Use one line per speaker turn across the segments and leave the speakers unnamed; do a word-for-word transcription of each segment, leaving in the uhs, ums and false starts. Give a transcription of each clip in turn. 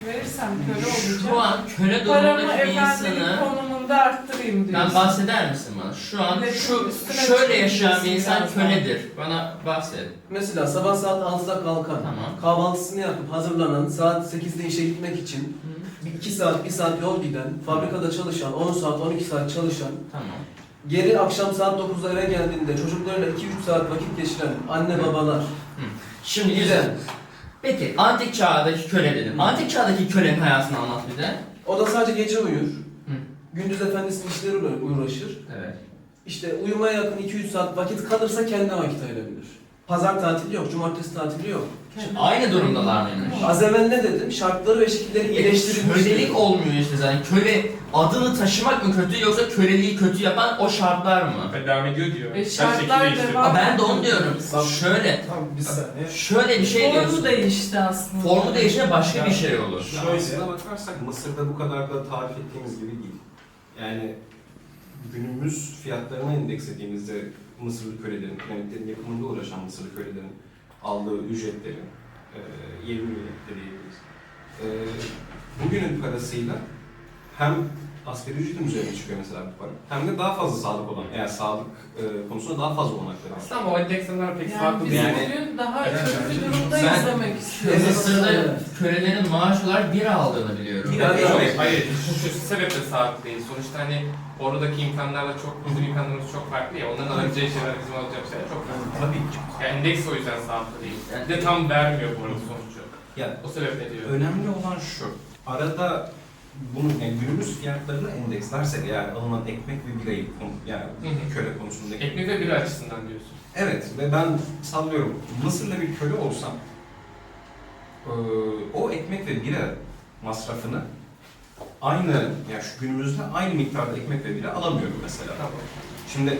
verirsem köle olacağım.
Şu an köle
Paramı
durumundaki bir
efendilik
insanı
konumunda arttırayım diyorsun.
ben bahseder misin bana? Şu an
Milletin
şu
üstüne
şöyle yaşayan bir
çıkıyorsun
insan
birazdan.
köledir. Bana bahset.
Mesela sabah saat altıda kalkan,
Tamam.
kahvaltısını yapıp hazırlanan, saat sekizde işe gitmek için bir iki saat, bir saat yol giden, fabrikada çalışan, on saat, on iki saat çalışan,
Tamam.
geri akşam saat dokuzda eve geldiğinde çocuklarıyla iki üç saat vakit geçiren anne babalar.
Şimdi
Güzel.
güzel. Peki antik çağdaki köle dedim.
Hı.
Antik çağdaki kölenin hayatını anlat bize.
O da sadece gece uyur.
Hı.
Gündüz efendisinin işleriyle uğraşır.
Evet.
İşte uyumaya yakın iki üç saat vakit kalırsa kendine vakit ayırabilir. Pazar tatili yok, cumartesi tatili yok.
Şimdi aynı durumdalar mıymış?
Az evvel ne dedim? Şartları ve şekilleri iyileştirilmiş.
Kölelik olmuyor işte zaten. Köle adını taşımak mı kötü yoksa köleliği kötü yapan o şartlar mı?
Ben devam ediyor diyor.
E,
Her
şartlar
şekilde değiştiriyor.
devam-
Aa, ben de onu diyorum.
Bak-
Şöyle,
Tamam bir saniye.
şöyle bir şey
Formu
diyorsun.
değişti aslında.
Formu değişince başka bir şey olur.
Şöyle-
Aslına bakarsak Mısır'da bu kadar da tarif ettiğimiz gibi değil. Yani günümüz fiyatlarına endekslediğimizde Mısırlı kölelerin, piramitlerin yapımında uğraşan Mısırlı kölelerin aldığı ücretleri, e, yirmi milyon diyebiliriz. E, bugünün parasıyla hem asgari ücretin üzerine çıkıyor mesela bu para, hem de daha fazla sağlık olan, eğer sağlık e, konusunda daha fazla olanakları var.
Aslında ama o endeksler pek
Yani
farklı
biz
değil.
Yani-
bugün daha
Evet,
kötü
evet.
durumdayız
Ben-
demek istiyorum.
Mısır'da
Evet.
kölelerin maaş olarak bir aldığını biliyorum.
Bir
Yani-
dakika, hayır, hayır. Şu, şu sebeple sağlıklı değil. Sonuçta hani oradaki imkanlarla çok, bizim imkanlarımız çok farklı ya. Onların alacağı şeyler bizim alacağımız şeyler çok farklı.
Tabii ki.
Yani endeks o yüzden sağlıklı değil.
Yani-
Bir de tam vermiyor bu arada sonucu.
Yani
O sebeple diyor.
önemli olan şu, arada bunun yani günümüz fiyatlarını endekslersek eğer alınan ekmek ve birayı konu- yani
Hı hı.
köle konusundaki.
Ekmek ve bira açısından diyorsun.
Evet ve ben sallıyorum Mısırlı bir köle olsam eee, o ekmek ve bira masrafını aynı yani şu günümüzde aynı miktarda ekmek ve bira alamıyorum mesela.
Tamam.
Şimdi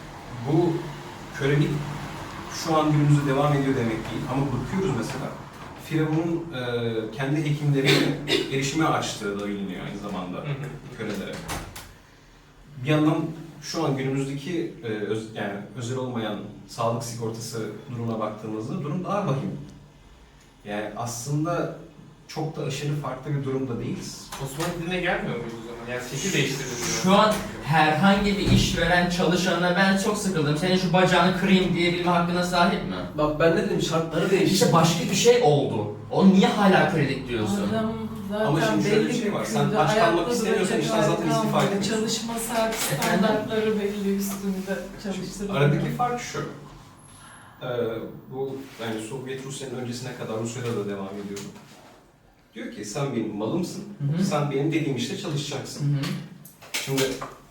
bu kölelik şu an günümüzde devam ediyor demek değil ama bakıyoruz mesela Firavun'un eee, kendi hekimlerine erişime açtığı da biliniyor aynı zamanda
Hı hı.
kölelere. Bir yandan şu an günümüzdeki e, öz, yani özel olmayan sağlık sigortası durumuna baktığımızda durum daha vahim. Yani aslında çok da aşırı farklı bir durumda değiliz.
Osmanlı diline gelmiyor muyuz o zaman? Yani şekil değiştirdi diyor.
Şu an herhangi bir işveren çalışanına ben çok sıkıldım. Senin şu bacağını kırayım diyebilme hakkına sahip mi?
Bak ben ne dedim? Şartları değişti.
İşte başka bir şey oldu. O niye hala kölelik diyorsun?
Adam zaten
Ama şimdi şöyle bir
belli
şey var,
bir
sen
köyde
aç kalmak
ayakta
istemiyorsan
duracak
işten zaten
hali
istifa
kalmadı.
edemiyorsun.
Çalışma saat
Efendim?
standartları belli üstünde çalıştırılıyor.
Aradaki fark şu. Ee, bu yani Sovyet Rusya'nın öncesine kadar Rusya'da da devam ediyor. Diyor ki sen benim malımsın,
Hı hı.
sen benim dediğim işte çalışacaksın.
Hı hı.
Şimdi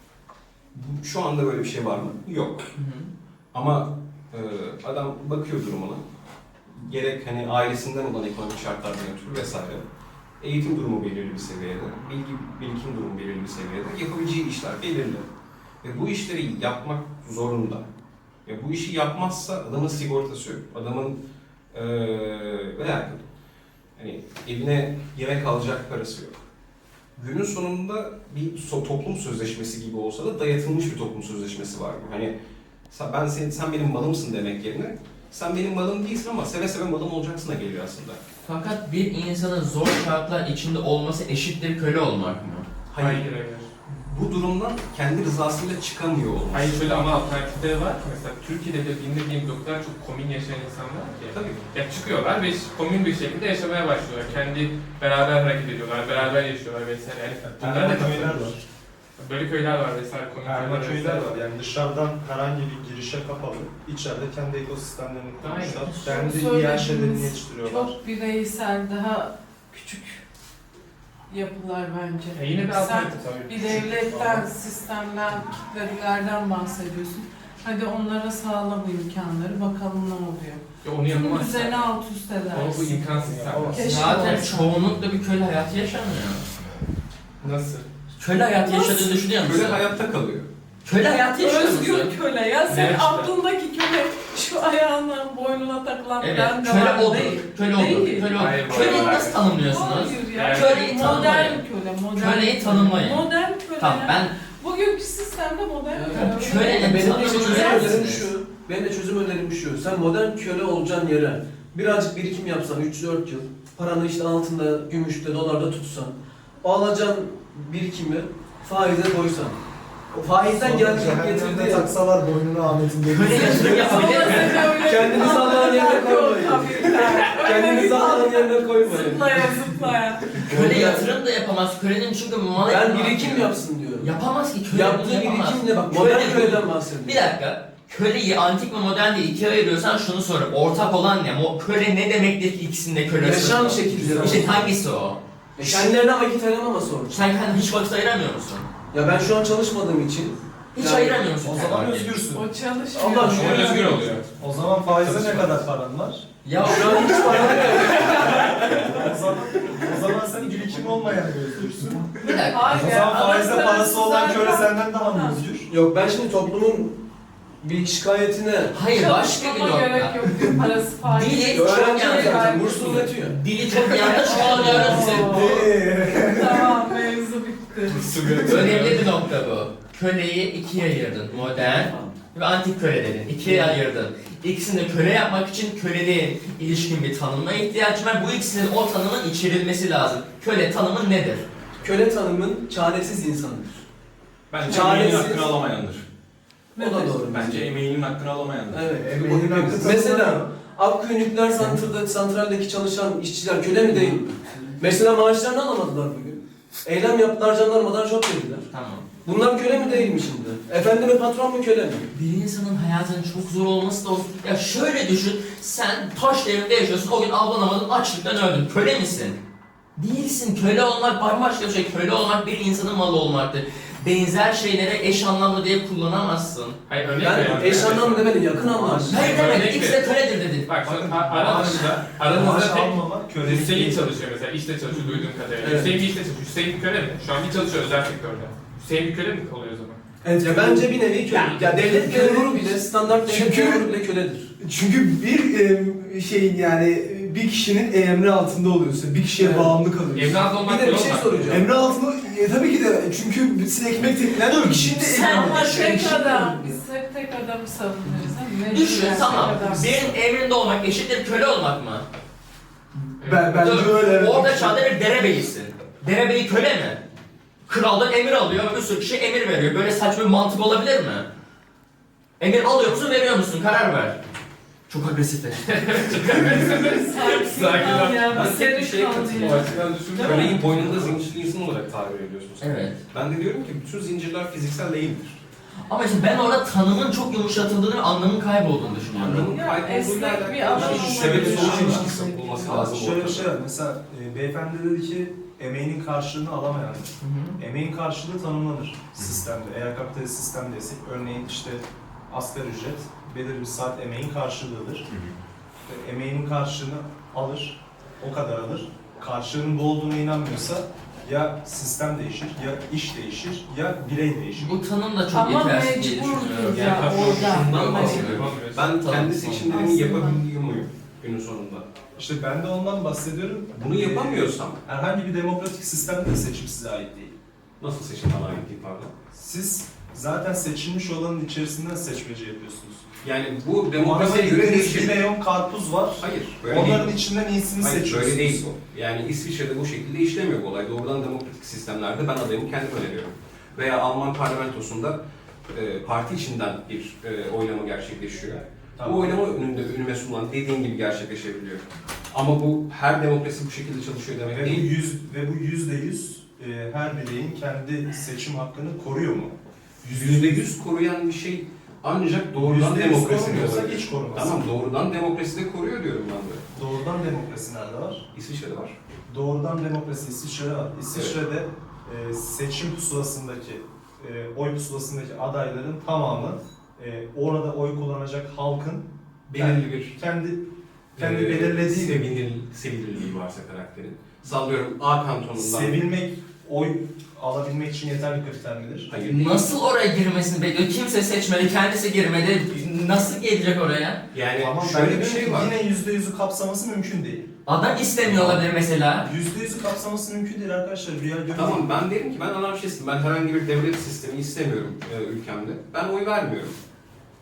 bu- şu anda böyle bir şey var mı? Yok.
Hı hı.
Ama e, adam bakıyor durumuna. Gerek hani ailesinden olan ekonomik şartlardan ötürü vesaire. Eğitim durumu belirli bir seviyede, bilgi birikim durumu belirli bir seviyede, yapabileceği işler belirli. Ve bu işleri yapmak zorunda. Ve bu işi yapmazsa adamın sigortası yok. Adamın e, veya hani evine yemek alacak parası yok. Günün sonunda bir so- toplum sözleşmesi gibi olsa da dayatılmış bir toplum sözleşmesi var. Hani sen, ben sen, sen benim malımsın demek yerine sen benim malım değilsin ama seve seve malım olacaksın da geliyor aslında.
Fakat bir insanın zor şartlar içinde olması eşittir köle olmak mı?
Hayır.
Hayır, hayır.
Bu durumdan kendi rızasıyla çıkamıyor olması.
Hayır şöyle ama alternatifleri var ki mesela Türkiye'de de bildiğim o kadar çok komün yaşayan insanlar var ki.
Tabii.
Ya çıkıyorlar ve komün bir şekilde yaşamaya başlıyorlar. Kendi beraber hareket ediyorlar, beraber yaşıyorlar vesaire. Yani bunlara da
Perma köyler
katılıyoruz.
var.
Böyle köyler var vesaire, komün
Perma köyler
vesaire.
var. Yani dışarıdan herhangi bir girişe kapalı. İçeride kendi ekosistemlerini kurmuşlar.
Şunu
Kendi
söylediğiniz
yerleştirdiğini yetiştiriyorlar.
Çok bireysel, daha küçük yapılar bence.
Ya yine bir
Sen
alternatif tabii.
bir devletten, sistemden, kitledilerden bahsediyorsun. Hadi onlara sağlam imkanları, bakalım ne oluyor.
Ya onu
Tüm
yapamazsın.
düzeni alt üst
Ama bu
edersin.
imkansız sen.
Keşke
Zaten
olsa.
çoğunlukla bir köle hayatı yaşamıyor.
Nasıl?
Köle hayatı
Nasıl?
yaşadığını düşünüyor musun?
Böyle hayatta kalıyor.
Köle hayatı yaşıyor musun?
Özgür köle ya. Sen
Ne işte?
aklındaki köle şu ayağına, boynuna takılan
Evet,
ben de
köle
var
odur.
değil.
Köle odur.
Değil.
Köle
Hayır,
odur.
bu
Köleyi
arada-
nasıl tanımlıyorsunuz?
Hayır ya.
Yani-
Köleyi
Modern
tanımlayın.
köle, modern
Köleyi
köle.
tanımlayın.
Modern köle
Tamam
ya.
ben
Bugünkü sistemde modern
Ya,
köle.
köle-
Benim de
tanımını
çözüm
verir
önerim
misiniz?
şu. Benim de çözüm önerim şu. Sen modern köle olacaksın yere birazcık birikim yapsan üç dört yıl, paranı işte altında, gümüşte, dolarda tutsan, o alacağın birikimi faize koysan, o faizden geldiği
Cehennemde
getirdiği
taksalar boynuna Ahmet'in
Köle
dediği.
yatırım yapabilir mi?
Kendinizi Allah'ın yerine koymayın. Kendinizi Allah'ın yerine koymayın.
Zıplaya zıplaya.
Köle yatırım da yapamaz. Kölenin çünkü malı...
Ben birikim yapsın diyorum.
Yapamaz ki. Köle
Yaptığı
bunu yapamaz.
birikimle bak,
Köle
modern
bu-
köleden bahsediyorum.
Bir dakika. Köleyi antik ve modern diye ikiye ayırıyorsan şunu sor. Ortak olan ne? O köle ne demektir ki ikisinde köle?
Yaşam şekilleri.
İşte hangisi o?
E, kendilerine vakit ayıramama sorun.
Sen kendine hiç vakit ayıramıyor musun?
Ya ben şu an çalışmadığım için
Hiç
Yani
ayıramıyor musun?
O
kendine
zaman
vakit?
özgürsün.
O çalışmıyor.
Allah
O zaman özgür oluyor.
O zaman faize ne kadar paran var?
Ya
şu an hiç para yok.
O zaman, o zaman sen birikim olmayan bir özgürsün.
bir dakika.
Hayır
O
ya,
zaman faizde
arası
parası olan
zaten-
köle senden daha mı
Ha.
özgür?
Yok ben şimdi toplumun bir şikayetine
Hayır başka bir
Çalışmama gerek
nokta.
yok. Parası faiz.
Dili çok
öğrenci
yanlış.
zaten burs uzatıyor.
Dili çok yanlış kullanıyoruz.
Tamam, mevzu bitti.
Önemli bir nokta bu. Köleyi ikiye ayırdın. Modern ve antik köle dedin. İkiye ayırdın. İkisini de köle yapmak için köleliğin ilişkin bir tanımına ihtiyaç var. Bu ikisinin o tanımın içerilmesi lazım. Köle tanımı nedir?
Köle tanımın çaresiz insanıdır.
Bence
Çaresiz.
emeğinin hakkını alamayandır.
O da doğru.
Bence emeğinin hakkını alamayandır.
Evet.
Emeğinin hakkı
Mesela
tanımlanıyor.
Akkuyu nükleer santralde, santraldeki çalışan işçiler köle mi değil mi? Mesela maaşlarını alamadılar bugün. Eylem yaptılar, jandarmadan job dediler.
Tamam.
Bunlar köle mi değil mi şimdi? Efendi mi patron mu köle mi?
Bir insanın hayatının çok zor olması da olsun. Ya şöyle düşün, sen taş devrinde yaşıyorsun, o gün avlanamadın, açlıktan öldün. Köle misin? Değilsin. Köle olmak bambaşka bir şey. Köle olmak bir insanın malı olmaktır. Benzer şeylere eş anlamlı diye kullanamazsın.
Hayır örnek
Ben
veriyorum.
eş anlamlı demedim, yakın anlamlı.
Hayır
Örnek
demek, ikisi de köledir dedin.
Bak
Bakın,
şu a- aranızda, aranızda
Maaş
tek
almamak kölelik
Hüseyin
değil.
çalışıyor mesela, işte çalışıyor duyduğum kadarıyla.
Evet.
Hüseyin bir işte çalışıyor. Hüseyin bir köle mi? Şu an bir çalışıyor özel sektörde. Hüseyin bir köle mi oluyor o zaman?
Evet, ya bence bir nevi köle.
Ya,
Ya, devlet
köle-
memuru bile, standart devlet
Çünkü-
memuru bile köledir.
Çünkü bir e, şeyin yani bir kişinin emri altında oluyorsun. Bir kişiye
Evet.
bağımlı kalıyorsun.
Evlat
Bir
olmak
de bir
yok
şey
mu?
soracağım.
Emri altında e, tabii ki de çünkü sizin ekmek teknen bir kişinin de
Sen
emri
Ama
altında.
tek adam, biz hep tek adamı savunuyoruz. değil mi?
Düşün
Mecburen
tamam.
tek adam.
Birinin emrinde olmak eşittir köle olmak mı?
Ben, bence
Dur,
öyle. evet.
Orada çağda bir derebeyisin. Derebeyi köle mi? Kraldan emir alıyor, bir sürü kişi emir veriyor. Böyle saçma bir mantık olabilir mi? Emir alıyor musun, veriyor musun? Karar ver. Çok agresifleşti.
Sakin ol ya,
Ben
bir
tek bir
seri
şeye
kaldı
katılıyorum.
ya.
açıdan düşündüm.
Köleyi boynunda zincirli insan olarak tabir ediyorsunuz.
Evet.
Ben de diyorum ki bütün zincirler fiziksel değildir.
Ama işte ben orada tanımın çok yumuşatıldığını ve anlamın kaybolduğunu düşünüyorum.
Anlamın
Ya,
kaybolduğuyla
esnek
alakalı
bir adam
bir
olmak
sebep sonuç
lazım.
ilişkisi olması lazım.
Şöyle bir
ortada.
şey var. Mesela e, beyefendi dedi ki emeğinin karşılığını alamayandır.
Hı hı.
Emeğin karşılığı tanımlanır sistemde. Eğer kapitalist sistemdeysek örneğin işte asgari ücret belirli bir saat emeğin karşılığıdır. E, Emeğinin karşılığını alır, o kadar alır. Karşılığının bu olduğuna inanmıyorsa ya sistem değişir, ya iş değişir, ya birey değişir.
Bu tanım da çok
Ama
yetersiz diye
mecburdur
düşünüyorum.
ya
Yani
orada.
şundan
Hani-
bahsediyorum.
Ben
Tamam.
kendi seçimlerimi
Aslında.
yapabiliyor muyum günün sonunda?
İşte ben de ondan bahsediyorum.
Bunu yapamıyorsam
Herhangi bir demokratik sistemde de seçim size ait değil.
nasıl seçim bana ait değil pardon?
Siz zaten seçilmiş olanın içerisinden seçmece yapıyorsunuz.
Yani bu
Demokrasiye
demokrasiye göre
bir
değişir.
milyon karpuz var.
Hayır, böyle
Onların
değil.
içinden iyisini
Hayır,
seçiyorsunuz.
böyle değil bu. Yani İsviçre'de bu şekilde işlemiyor bu olay. Doğrudan demokratik sistemlerde ben adayımı kendim öneriyorum. Veya Alman parlamentosunda e, parti içinden bir e, oylama gerçekleşiyor.
Tamam.
Bu oylama önünde önüme sunulan dediğin gibi gerçekleşebiliyor. Ama bu her demokrasi bu şekilde çalışıyor demek
Ve bu
değil.
yüz ve bu yüzde yüz e, her bireyin kendi seçim hakkını koruyor mu?
Yüzde yüz koruyan bir şey ancak doğrudan
Yüzde yüz
demokrasi
korumuyorsa
olabilir.
hiç korumaz.
Tamam, doğrudan demokrasi de koruyor diyorum ben de.
Doğrudan demokrasi nerede var?
İsviçre'de var.
Doğrudan demokrasi İsviçre'de var. İsviçre'de e, seçim pusulasındaki, e, oy pusulasındaki adayların tamamı e, orada oy kullanacak halkın
Belirli bir
kendi kendi
e,
belirlediği
sevinir, sevilirliği varsa karakterin. Sallıyorum A kantonundan.
sevilmek, oy alabilmek için yeterli kriter midir?
Hayır değil.
Nasıl oraya girmesini bekliyor? Kimse seçmedi, kendisi girmedi. Nasıl gelecek oraya?
Yani
Ama
şöyle
ben
bir
diyorum
şey
ki
var.
Yine yüzde yüzü kapsaması mümkün değil.
Adam istemiyor olabilir mesela.
Yüzde yüzü kapsaması mümkün değil arkadaşlar. Rüya görmeyin.
Tamam, ben derim ki ben anarşistim. Ben herhangi bir devlet sistemi istemiyorum e, ülkemde. Ben oy vermiyorum.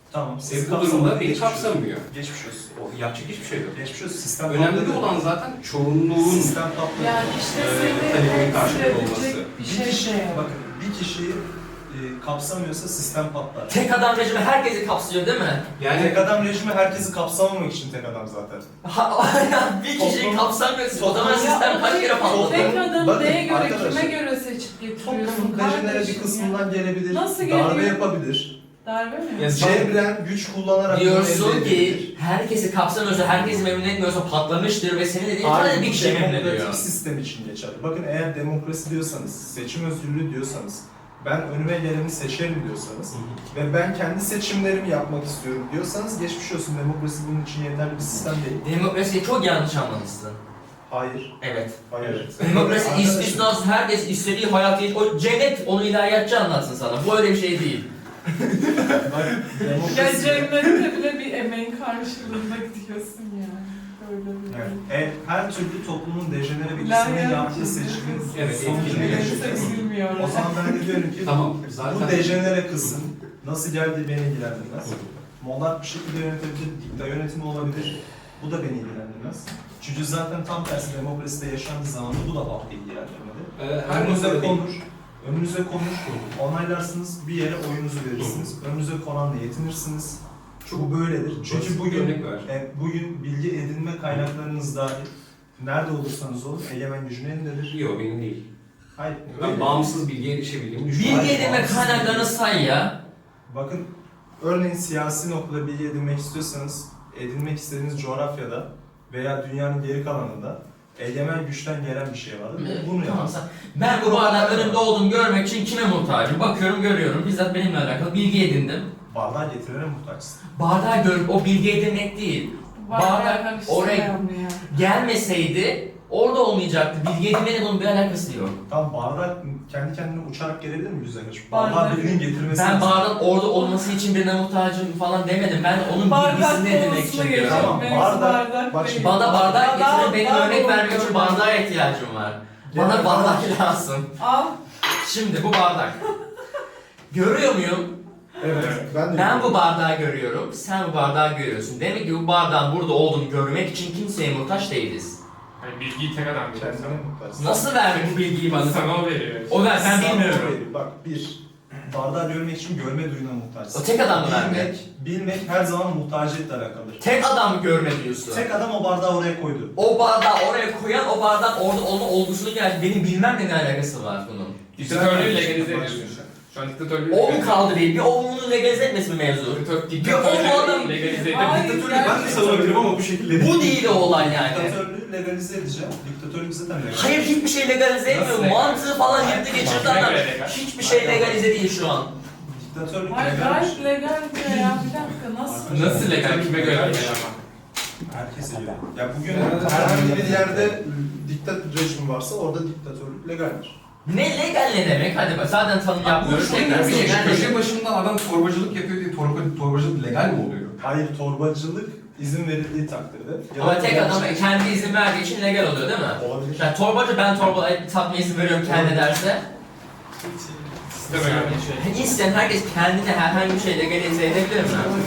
Tamam.
E,
Sizi
bu durumda
kapsamadı,
beni
geçmiş olsun.
kapsamıyor.
Geçmiş olsun.
O yapacak hiçbir şey yok.
Geçmiş olsun. Sistem
Önemli
patladı.
olan zaten çoğunluğun
Sistem patladı.
Yani işte
Ee,
seni
talebimin
temsil
karşılığı
edecek
olması.
bir
Bir
şey
kişi,
şey yok.
bakın bir kişiyi e, kapsamıyorsa sistem patlar.
Tek adam rejimi herkesi kapsıyor değil mi?
yani
Tek adam rejimi herkesi kapsamamak için tek adam zaten.
Ha, bir kişiyi
Toplum-
kapsamıyorsun. O zaman
toplum-
sistem kaç kere patladı?
Tek adamı
Bakın
neye göre,
arkadaşlar,
kime göre seçip getiriyorsun
Toplumun dejenere
kardeşim
bir
ya?
kısmından gelebilir,
Nasıl
darbe
geliyor?
yapabilir,
Darbe mi?
Ya
cebren güç kullanarak bunu
Diyorsun
elde
ki
edebilir.
herkesi kapsamıyorsa, herkesi memnun etmiyorsa patlamıştır ve senin dediğin
Hayır,
sadece bir
bu
kişi memnun ediyor.
demokratik sistem için geçerli. Bakın eğer demokrasi diyorsanız, seçim özgürlüğü diyorsanız, ben önüme geleni seçerim diyorsanız ve ben kendi seçimlerimi yapmak istiyorum diyorsanız geçmiş olsun, demokrasi bunun için yeterli bir sistem değil.
Demokrasiyi çok yanlış anlamışsın.
Hayır,
Evet.
hayır.
Demokrasi
Arkadaşlar,
istisnasız, herkes istediği hayatı, o cennet onu ilahiyatçı anlatsın sana. Bu öyle bir şey değil.
bak,
Ya
demokrasi...
cennette bile bir emeğin karşılığında gidiyorsun yani. Böyle bir
Evet, e, her türlü toplumun dejenere bir
İlahiyat
kısmının yaptığı
için.
seçimin
Evet,
sonucunu
etkili
yaşayacağız.
bilmiyorum.
O zaman ben de diyorum ki
tamam
bu
zaten
dejenere kısım nasıl geldiği beni ilgilendirmez. Monark bir şekilde yönetebilir, dikta yönetimi olabilir. Bu da beni ilgilendirmez. Çünkü zaten tam tersi demokraside yaşandığı zaman da bu da halkı ilgilendirmedi.
e, her
Önünüze
noktada değil.
konur, önünüze konur, onaylarsınız, bir yere oyunuzu verirsiniz. Önünüze konanla yetinirsiniz. Bu böyledir. Çünkü
Basit bir
bugün
örnek ver.
e, bugün bilgi edinme kaynaklarınız dahil nerede olursanız olun egemen gücün elindedir.
Yok benim değil.
Hayır.
Ben
öyle.
bağımsız bilgiye erişebildiğimi düşünüyorum.
Bilgi edinme kaynaklarını say ya.
Bakın örneğin siyasi noktada bilgi edinmek istiyorsanız edinmek istediğiniz coğrafyada veya dünyanın geri kalanında egemen güçten gelen bir şey vardır.
Evet,
Bunu
tamam,
yapın.
sen- Ben bu bardağın önümde olduğumu görmek için kime muhtacım? Bakıyorum, görüyorum. Bizzat benimle alakalı bilgi edindim.
Bardağı getirene muhtaçsın.
Bardağı görüp o bilgi edinmek değil. Bardak oraya gelmeseydi orada olmayacaktı. Bilgi edinmenin bunun bir alakası yok.
Tam bardak kendi kendine uçarak gelebilir mi yüzde kaç?
Bardak-
Bardağı birinin getirmesi
Ben
lazım.
bardağın orada olması için birine muhtacım falan demedim. Ben onun bilgisini edinmek için diyorum.
Tamam, bardak- bak şimdi-
Bana bardak getirin, benim
bardak
örnek vermek
oluyor.
için bardağa ihtiyacım var. Bana
Gerek
bardak lazım.
Al.
Şimdi bu bardak. Görüyor muyum?
Evet. Ben de
Ben bu bardağı görüyorum, sen bu bardağı görüyorsun. Demek ki bu bardağın burada olduğunu görmek için kimseye muhtaç değiliz.
Yani bilgiyi tek adam veriyor.
kendine muhtaçsın.
Nasıl verdi bu bilgiyi bana?
Sana o veriyor.
O ver, ben
Sana
bilmiyorum.
o veriyor. Bak bir, bardağı görmek için görme duyuna muhtaçsın.
O tek adam mı verdi?
Bilmek, bilmek her zaman muhtaciyetle alakalıdır.
Tek adam mı görme diyorsun?
Tek adam o bardağı oraya koydu.
O bardağı oraya koyan, o bardağın orada olma olgusunu gel. Benim bilmemle ne alakası var bunun?
Diktatörlüğü legalize ediyorsun şu an. Şu an diktatörlüğü
O mu kaldı değil, bir o bunu legalize etmesi mi mevzu?
Diktatör-
Bir o bu adam-
Diktatörlüğü legalize
Hayır,
edip
Diktatörlüğü ben de
gerçekten.
savunabilirim ama bu şekilde
Bu değil o olay yani.
Diktatörlüğü legalize edeceğim. Diktatörlük zaten legalize.
Hayır, hiçbir şey legalize etmiyor.
Nasıl legal?
Mantığı falan yırttı geçirdi adam.
Legal, legal.
Hiçbir şey legalize değil şu an.
Diktatörlük
Hayır
legal.
gayet legal diyor ya. Bir dakika nasıl?
Nasıl legal? Kime göre legal ama?
Herkese göre. Ya bugün
Evet.
herhangi bir yerde diktat rejimi varsa orada diktatörlük legaldir.
Ne legal ne demek? Hadi bak zaten tanım
Bu
yapmıyoruz.
şöyle
Tekrar
bir şey.
legal
Köşe
demek.
başında adam torbacılık yapıyor diye torba, torbacılık legal mi oluyor?
Hayır, torbacılık izin verildiği takdirde. Ya
Ama
da
tek adam kendi izin verdiği için legal oluyor değil mi?
olabilir.
Yani torbacı ben torba satmaya izin veriyorum kendi derse.
Sisteme göre.
İsteyen herkes kendine herhangi bir şey legalize edebilir mi?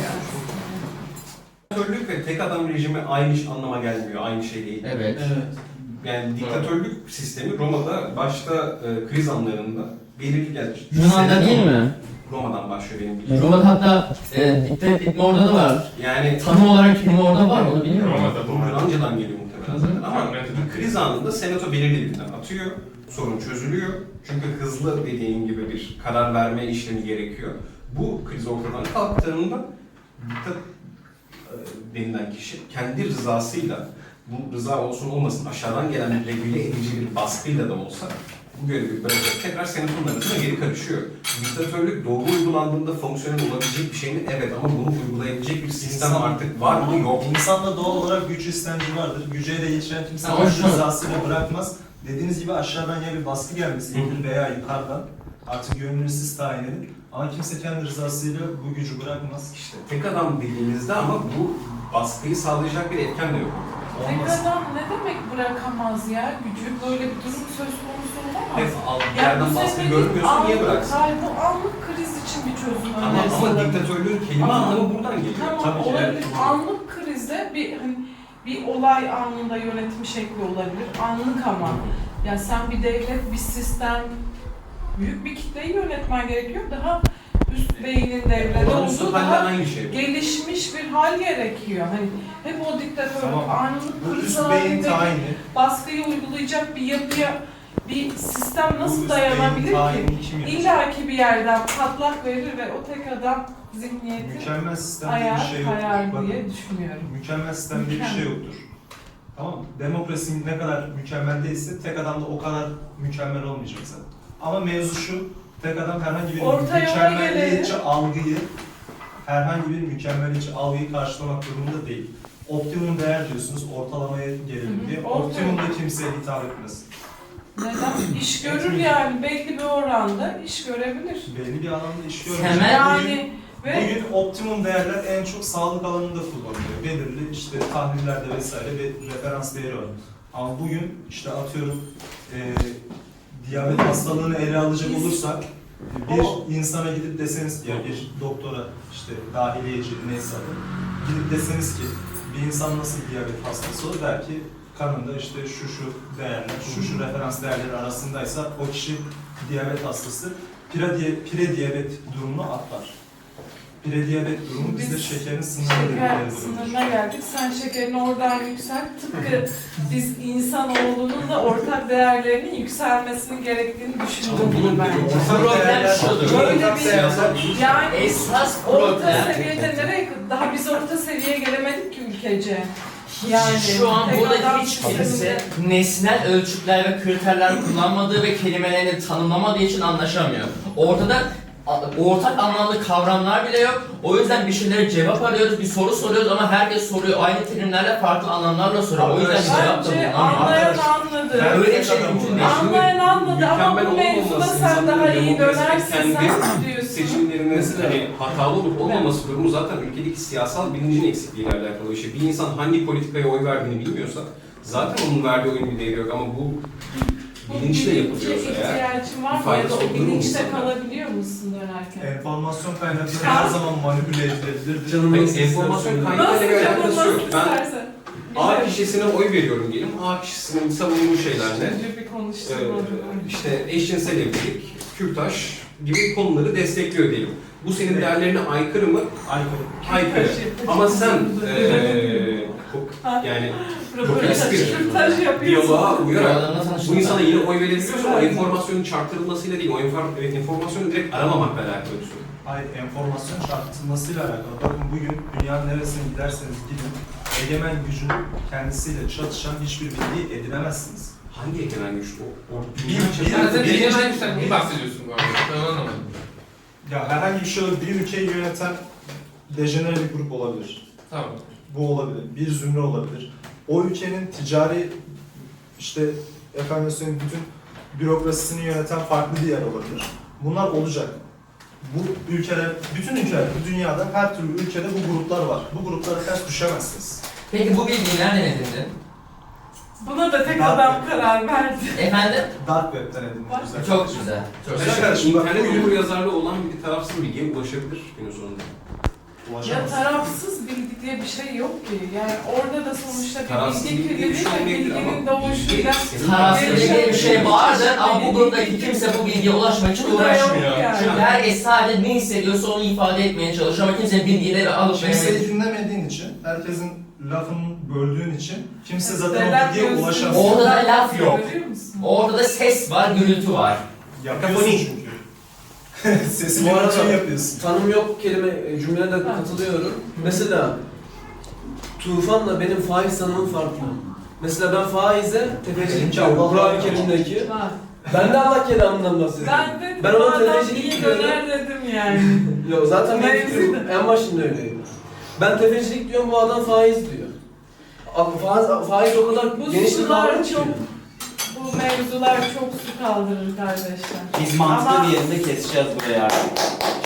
Diktatörlük ve tek adam rejimi aynı iş anlama gelmiyor, aynı şey değil.
Evet.
Evet.
Yani diktatörlük sistemi Roma'da başta e, kriz anlarında belirli gelir.
Yunan'da değil mi?
Roma'dan başlıyor benim bildiğim.
Roma'da hatta e, diktat etme orada da var.
Yani
Tanım olarak kim orada var onu bilmiyorum.
Roma'da
bu
bu.
Yunanca'dan geliyor muhtemelen zaten ama
Tahmin ediyorum.
bir kriz anında senato belirli bir plan atıyor, sorun çözülüyor. Çünkü hızlı dediğim gibi bir karar verme işlemi gerekiyor. Bu kriz ortadan kalktığında diktat e, denilen kişi kendi rızasıyla, bu rıza olsun olmasın aşağıdan gelen regüle edici bir baskıyla da olsa bu görevi bırakıp tekrar senatonun arasına geri karışıyor. Diktatörlük doğru uygulandığında fonksiyonel olabilecek bir şey mi? Evet, ama bunu uygulayabilecek bir sistem
İnsan-
artık var mı? Yok.
İnsanda doğal olarak güç istenci vardır. Güce ele geçiren kimse
Ama
kendi
şu-
rızasıyla bırakmaz. Dediğiniz gibi aşağıdan ya bir baskı gelmesi gerekir veya yukarıdan. Artık gönlünüz siz tayin edin. Ama kimse kendi rızasıyla bu gücü bırakmaz.
İşte tek adam dediğimizde ama bu baskıyı sağlayacak bir etken de yok.
Tek
Olmaz.
adam ne demek bırakamaz ya? Gücü böyle bir durum söz konusu olamaz.
Hep al- bir
Yani
yerden
bu
baskı
senin
görmüyorsun, niye
anlık-
bıraksın?
Hayır, bu anlık kriz için bir çözüm
Ama,
önerisi
ama
olabilir.
diktatörlüğün kelime
Ama-
anlamı buradan geliyor.
Tamam
Tabii ki,
olabilir.
evet.
Anlık krizde bir hani bir olay anında yönetim şekli olabilir. Anlık ama. Ya sen bir devlet, bir sistem, büyük bir kitleyi yönetmen gerekiyor. Daha üst beynin devrede
Olağanüstü
olduğu
halde
daha
aynı şey.
gelişmiş bir hal gerekiyor. Hani hep o diktatörlük,
Tamam.
anlık
Bu
kriz
üst beyin
halinde
tayini,
baskıyı uygulayacak bir yapıya bir sistem
bu
nasıl
üst
dayanabilir
beyin
ki?
tayini kim yapacak?
İlla ki bir yerden patlak verir ve o tek adam zihniyeti
Mükemmel sistem diye
ayar
bir şey yoktur.
kayar
Bakın,
diye düşünüyorum.
mükemmel sistem diye bir şey yoktur. Tamam mı? Demokrasi ne kadar mükemmel değilse tek adam da o kadar mükemmel olmayacak zaten. Ama mevzu şu, tek adam herhangi bir
Orta yola
mükemmeliyetçi
gelelim.
algıyı, herhangi bir mükemmeliyetçi algıyı karşılamak durumunda değil. Optimum değer diyorsunuz, ortalamaya gelelim
Hı hı,
diye.
orta
Optimum
yol.
da kimseye hitap etmez.
Neden? İş görür yani belli bir oranda iş görebilir.
Belli bir alanda iş görmeyecek.
Temel-
Bugün,
Yani ve
bugün optimum değerler en çok sağlık alanında kullanılıyor. Belirli işte tahlillerde vesaire bir referans değeri var. Ama bugün işte atıyorum e, diyabet hastalığını ele alacak
Biz-
olursak
O-
bir insana gidip deseniz ki ya bir doktora işte dahiliyeci neyse adı gidip deseniz ki bir insan nasıl diyabet hastası olur der ki kanında işte şu şu değerler, şu şu referans değerleri arasındaysa o kişi diyabet hastası pre, diye, pre diyabet durumunu atlar. Pre diyabet durumu bizde
Biz
şekerin sınırı
şeker
dedikleri durumdur.
sınırına geldik. Sen şekerini oradan yükselt. Tıpkı biz insanoğlunun da ortak değerlerinin yükselmesinin gerektiğini
Ama
düşündüm
bunun
bence.
Problem şudur.
Böyle bir yani
Esas
orta
problem
seviyede nereye daha biz orta seviyeye gelemedik ki ülkece. Yani
şu an
tek
burada
adam
hiç
sisteminde-
kimse nesnel ölçütler ve kriterler kullanmadığı ve kelimelerini tanımlamadığı için anlaşamıyor. Ortada a- ortak anlamlı kavramlar bile yok. O yüzden bir şeylere cevap arıyoruz, bir soru soruyoruz ama herkes soruyor. Aynı terimlerle farklı anlamlarla soruyor. O yüzden bir cevap da
Bence
bulunamıyor.
anlayan anladı.
Ben-
Öyle bir şey mümkün değil.
Anlayan anladı ama
Mükemmel
bu mevzuda
olmaması
sen
insanların
daha iyi
demokraside
dönersin
kendi
sen diyorsun.
seçimlerinin
Mesela-
hani hatalı olup olmaması durumu zaten ülkedeki siyasal bilincin eksikliğiyle alakalı bir şey. Bir insan hangi politikaya oy verdiğini bilmiyorsa zaten onun verdiği oyun bir değeri yok ama bu
Bu
bilinçle
bilince
yapılıyorsa eğer
ihtiyacın var
bir
mı ya da
faydası
o
olur mu
bilinçte
insana?
kalabiliyor musun dönerken?
Enformasyon kaynakları her zaman manipüle edilebilir.
Canım
Hayır,
nasıl
enformasyon
istersen.
kaynağı-
Nasıl
ile bir alakası
yapılması
yok. Ben-
istersen.
A kişisine oy veriyorum diyelim. A kişisinin savunduğu şeyler ne?
Önce bir
Ee,
konuşturmadım.
işte eşcinsel evlilik, kürtaj gibi konuları destekliyor diyelim. Bu senin değerlerine aykırı mı?
Aykırı.
Aykırı. Ama sen eee çok- yani çok eski bir
Röportaj yapıyorsun.
diyaloğa uyarak
Adamla
bu
tanıştım
insana
ben.
yine oy verebiliyorsun ama enformasyonun çarptırılmasıyla değil, o enfor- enformasyonu direkt aramamakla alakalı bir sorun.
Hayır, enformasyon çarpıtılmasıyla alakalı. Bakın bugün dünyanın neresine giderseniz gidin, egemen gücün kendisiyle çatışan hiçbir bilgiyi edinemezsiniz.
Hangi egemen güç bu? O
Bir-
dünya
bir-
çapında
Sen de
bir-
egemen güçten neyi bahsediyorsun bu arada? Ben anlamadım.
Ya herhangi bir şey olabilir. Bir ülkeyi yöneten dejenere bir grup olabilir.
Tamam.
Bu olabilir. Bir zümre olabilir. O ülkenin ticari işte efendim söyleyeyim bütün bürokrasisini yöneten farklı bir yer olabilir. Bunlar olacak. Bu ülkeler, bütün ülkeler, bu dünyada her türlü ülkede bu gruplar var. Bu gruplara ters düşemezsiniz.
Peki bu bilgiyi nereden edindin?
Buna da tek
Ben-
adam karar verdi.
Efendim?
Dark Web'den edindim.
Bak,
güzel
Çok
kardeşim.
güzel. Çok
Güzel
güzel.
kardeşim, bak
İnternet
bugün
okur yazarlığı olan bir tarafsız bilgiye ulaşabilir günün sonunda.
Ya
ulaşamazsınız.
tarafsız bilgi diye bir şey yok ki. Yani orada da sonuçta
Tarafsız
bir bilgi
bilgi diye bir
kirliliği
şey
ve
olmayabilir
bilginin
ama
doğuşuyla
bilgi-
Tarafsız diye bir şey vardır ama bu gruptaki kimse bu bilgiye ulaşmak için
Bu da yok
uğraşmıyor.
yani.
Çünkü herkes sadece ne hissediyorsa onu ifade etmeye çalışıyor ama kimse bilgileri alıp
Kimseyi
veremedi.
dinlemediğin için, herkesin lafını böldüğün için kimse zaten
Neden
o bilgiye
diyorsun?
ulaşamaz.
Orada da laf yok.
Görüyor musun?
Orada da ses var, gürültü var.
Yapıyorsun çünkü. Sesini
Bu arada-
için yapıyorsun.
Tanım yok kelime e, cümlene de katılıyorum. Mesela tufanla benim faiz tanımım farklı. Mesela ben faize tefecilik diyorum. Kur'an-ı Kerim'deki.
Ha.
Ben de Allah kelamından bahsediyorum.
Ben dedim
Ben
bu
ona
adam
tefecilik
iyi
diyorum.
döner dedim yani.
Yok zaten benim
Mevzu
fikrim
da-
en başında öyleydi. Ben tefecilik diyorum, bu adam faiz diyor. A- Faiz, faiz o kadar
Bu
geniş bir
sular
kavram ki.
çok, bu mevzular çok su kaldırır kardeşler.
Biz mantıklı
Ama-
bir yerinde keseceğiz buraya artık.